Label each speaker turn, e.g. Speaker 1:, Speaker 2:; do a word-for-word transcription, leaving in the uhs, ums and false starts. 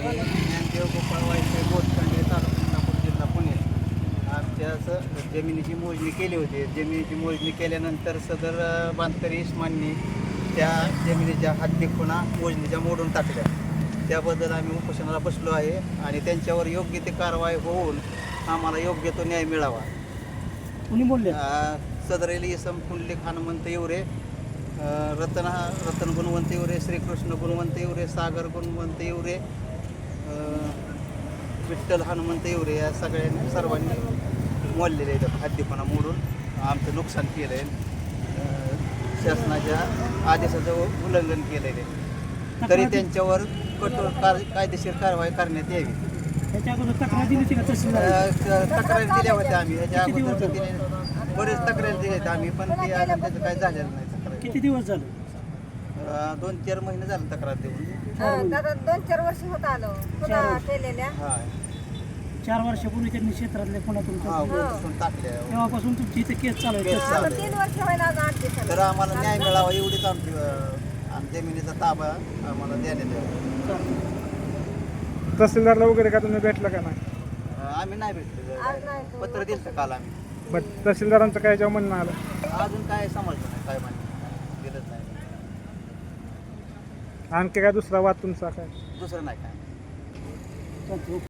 Speaker 1: ज्ञानदेव गोपाळ वायसे बोटखंडे तालुका इंदापूर जिल्हा पुणे. आमच्या असं जमिनीची मोजणी केली होती. जमिनीची मोजणी केल्यानंतर सदर बांधकरी इस्माननी त्या जमिनीच्या हद्दी खुणा मोजणीच्या मोडून टाकल्या. त्याबद्दल आम्ही उपोषणाला बसलो आहे आणि त्यांच्यावर योग्य ते कारवाई होऊन आम्हाला योग्य तो न्याय मिळावा.
Speaker 2: कुणी बोलले?
Speaker 1: सदरेली इसम पुंडलिक हनुमंत येवरे, रतन रतन गुणवंत येवरे, श्रीकृष्ण गुणवंत येवरे, सागर गुणवंत येवरे, विठ्ठल हनुमंत येवरे या सगळ्यांनी सर्वांनी मोडलेले आहेत. हद्दीपणा मोडून आमचं नुकसान केलं आहे, शासनाच्या आदेशाचं उल्लंघन केलेलं आहे. तरी त्यांच्यावर कठोर कार कायदेशीर कारवाई करण्यात यावी.
Speaker 2: त्याच्या अगोदर तक्रार दिली होती का तहसीलदार?
Speaker 1: तक्रारी दिल्या होत्या आम्ही. ह्याच्या अगोदर दिले बरेच तक्रारी दिल्या आहेत आम्ही, पण ते अजून त्याचं काही झालेलं नाही. तक्रार
Speaker 2: किती दिवस झाले?
Speaker 1: दोन चार महिने झाले तक्रार देऊन.
Speaker 3: दादा दोन चार वर्ष होत आलो पुन्हा केलेल्या.
Speaker 1: हा
Speaker 2: चार वर्षापूर्वी त्यांनी क्षेत्रातले कोणातून
Speaker 1: हा उठून टाकल्या.
Speaker 2: तेव्हापासून तुमची इथे केस चालू आहे.
Speaker 1: केस चालू आहे.
Speaker 3: तीन वर्ष व्हायला आज आठ दिवसाला.
Speaker 1: तर आम्हाला न्याय मिळावा एवढीच आमची अं, आम जमिनीचा ताबा आम्हाला देण्यात यावा.
Speaker 4: तहसीलदारला वगैरे का तुम्ही भेटला का नाही?
Speaker 1: अं, आम्ही नाही भेटलो.
Speaker 3: आज नाही तो.
Speaker 1: पत्र दिलं काल आम्ही.
Speaker 4: बट तहसीलदारांचं काय जेव्हा म्हणणं आलं?
Speaker 1: अजून काय समजलं नाही, काय माहिती दिलंच नाही.
Speaker 4: आणखी काय दुसरा वाद तुमचा काय?
Speaker 1: दुसरं नाही काय.
Speaker 2: चालतंय.